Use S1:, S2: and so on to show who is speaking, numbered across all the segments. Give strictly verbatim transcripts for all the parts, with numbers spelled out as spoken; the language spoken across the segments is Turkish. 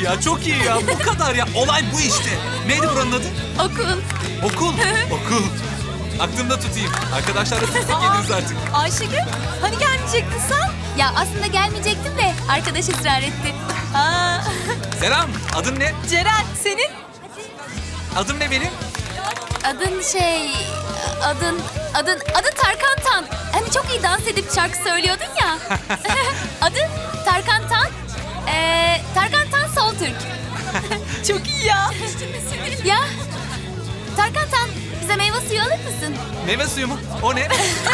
S1: ya, çok iyi ya. Bu kadar ya. Olay bu işte. Neydi buranın adı?
S2: Okul.
S1: Okul. Okul. Aklımda tutayım. Arkadaşlarla sık sık geliriz artık.
S2: Ayşegül, hani gelmeyecektin sen? Ya aslında gelmeyecektim de arkadaş ısrar etti. Aa,
S1: Selam. Adın ne?
S2: Ceren, senin?
S1: Adım ne benim?
S2: Adın şey... Adın... Adın... Adın Tarkan Tan. Hani çok iyi dans edip şarkı söylüyordun ya. Adı Tarkan Tan. Ee, Tarkan Tan Soltürk. Çok iyi ya. Ya Tarkan Tan, bize meyve suyu alır mısın?
S1: Meyve suyu mu? O ne?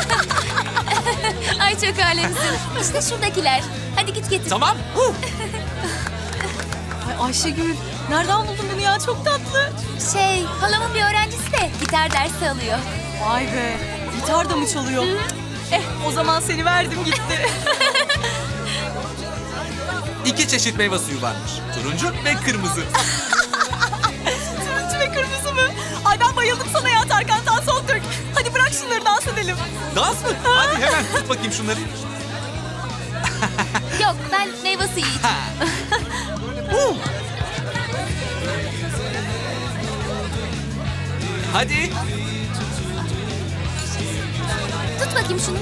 S2: Ay çok alemsin. İşte şuradakiler. Hadi git getir.
S1: Tamam. Huh.
S3: Ay Ayşegül, nereden buldun bunu ya? Çok tatlı.
S2: Şey, halamın bir öğrencisi de gitar dersi alıyor.
S3: Vay be, gitar da mı çalıyor? Eh, o zaman seni verdim gitti.
S1: İki çeşit meyve suyu varmış. Turuncu ve kırmızı.
S3: Turuncu ve kırmızı mı? Ay ben bayıldım sana ya Tarkan Tan Soltürk. Hadi bırak şunları dans edelim.
S1: Dans mı? Hadi hemen tut bakayım şunları.
S2: Yok, ben meyve suyu içeyim.
S1: Huh. Hadi.
S2: Tut bakayım şunu.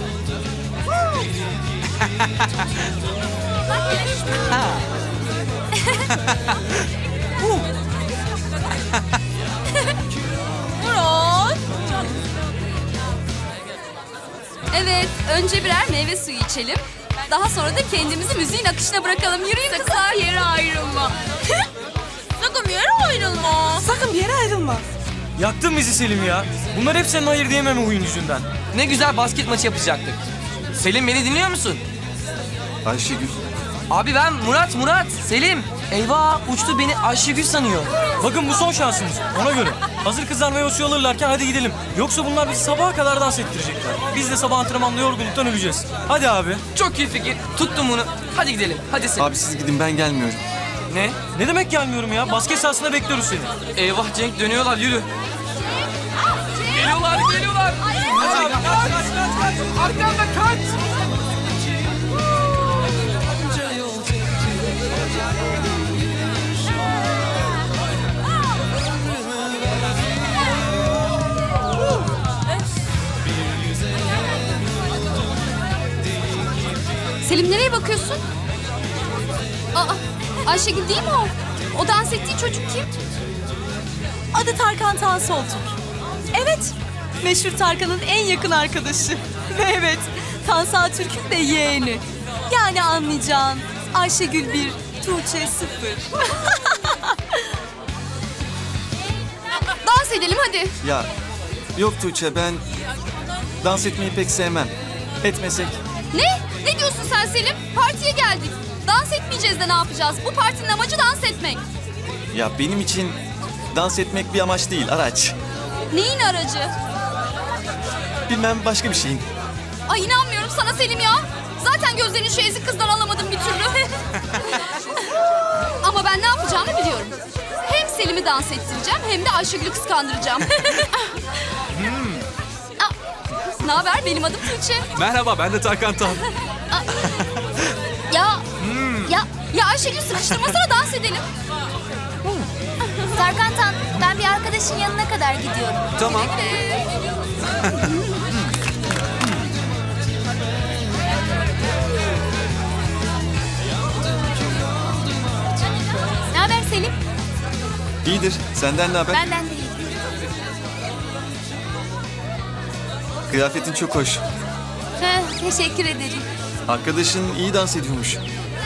S1: Huh.
S2: Murat. Evet, önce birer meyve suyu içelim. Daha sonra da kendimizi müziğin akışına bırakalım. Yürüyün kızlar. Sakın bir yere ayrılma. Sakın bir yere ayrılma.
S3: Sakın bir yere ayrılma.
S4: Yaktın bizi Selim ya. Bunlar hep senin hayır diyememe huyun yüzünden.
S5: Ne güzel basket maçı yapacaktık. Selim beni dinliyor musun?
S6: Ayşegül.
S5: Abi ben Murat, Murat. Selim. Eyvah uçtu beni Ayşegül sanıyor.
S4: Bakın bu son şansınız. Ona göre. Hazır kızlar meyve suyu alırlarken hadi gidelim. Yoksa bunlar bizi sabaha kadar dans ettirecekler. Biz de sabah antrenmanda yorgunluktan öleceğiz. Hadi abi.
S5: Çok iyi fikir. Tuttum bunu. Hadi gidelim. Hadi Selim.
S6: Abi siz gidin, ben gelmiyorum.
S5: Ne?
S4: Ne demek gelmiyorum ya? Basket sahasında bekliyoruz seni.
S5: Eyvah Cenk dönüyorlar yürü. Geliyorlar geliyorlar. Kaç kaç kaç kaç. Arkanda kaç.
S2: Selim, nereye bakıyorsun? Aa, Ayşegül değil mi o? O dans ettiği çocuk kim?
S3: Adı Tarkan Tan Soltürk. Evet, meşhur Tarkan'ın en yakın arkadaşı. Ve evet, Tansa Türk'ün de yeğeni. Yani anlayacağın Ayşegül bir, Tuğçe sıfır.
S2: Dans edelim hadi.
S6: Ya yok Tuğçe, ben dans etmeyi pek sevmem. Etmesek.
S2: Ne? Ne diyorsun sen Selim? Partiye geldik. Dans etmeyeceğiz de ne yapacağız? Bu partinin amacı dans etmek.
S6: Ya benim için dans etmek bir amaç değil, araç.
S2: Neyin aracı?
S6: Bilmem, başka bir şeyin.
S2: Ay inanmıyorum sana Selim ya. Zaten gözlerini şu ezik kızdan alamadım bir türlü. Ama ben ne yapacağımı biliyorum. Hem Selim'i dans ettireceğim hem de Ayşegül'ü kıskandıracağım. Aa, ne haber? Benim adım Tuğçe.
S1: Merhaba, ben de Tarkan Tan.
S2: Ya, ya, ya Ayşegül sıkıştırmasana dans edelim. Tarkan Tan, ben bir arkadaşın yanına kadar gidiyorum.
S1: Tamam.
S2: Ne haber Selim?
S6: İyidir, senden ne haber?
S2: Benden değil.
S6: Kıyafetin çok hoş.
S2: Heh, teşekkür ederim.
S6: Arkadaşın iyi dans ediyormuş.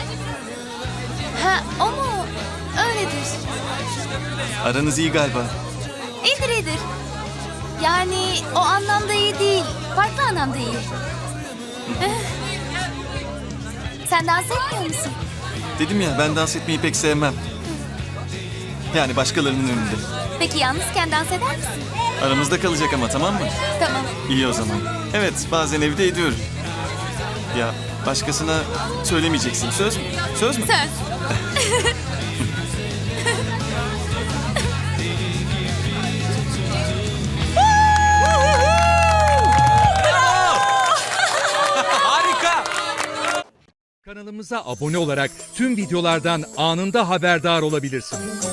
S2: Ha, o mu? Öyledir.
S6: Aranız iyi galiba.
S2: İyidir iyidir. Yani o anlamda iyi değil. Farklı anlamda iyi. Eh. Sen dans etmiyor musun?
S6: Dedim ya, ben dans etmeyi pek sevmem. Yani başkalarının önünde.
S2: Peki yalnızken dans eder misin?
S6: Aramızda kalacak ama, tamam mı?
S2: Tamam.
S6: İyi o zaman. Evet, bazen evde ediyorum. Ya başkasına söylemeyeceksin. Söz mü? Söz mü?
S2: Söz.
S1: Harika.
S7: Kanalımıza abone olarak tüm videolardan anında haberdar olabilirsiniz.